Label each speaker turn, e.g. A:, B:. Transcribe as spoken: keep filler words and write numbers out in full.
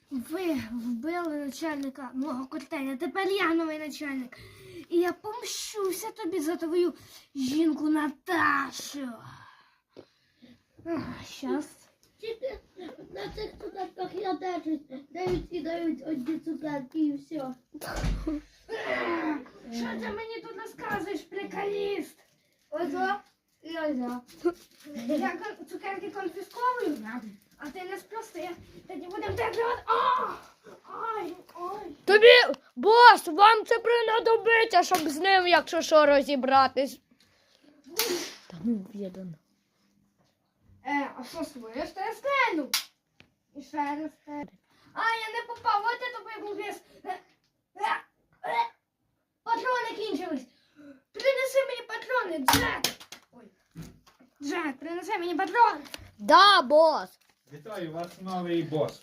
A: Ви вбили начальника мого котеля, тепер я новий начальник. І я помщуся тобі за твою жінку Наташу. Щас.
B: Тільки на цих цукерках я держусь. Дають і дають одні цукерки і все.
A: Що ти мені тут розказуєш, приколіст? Озо і озо. Я кон- цукерки конфісковую, а ти не спроси. Тоді будемо держати. О! Ой, ой.
C: Тобі, бос, вам це принадобиться, щоб з ним, якщо що, розібратись. Та ну, відомо.
A: Е, а що своє? Що я стрельну? І ще раз стрельну. А, я не попав, от я тобі був вес. Е, е, е. Патрони кінчились. Принеси мені патрони, Джек. Ой. Джек, принеси мені патрони.
C: Да, бос.
D: Вітаю, у вас новий бос.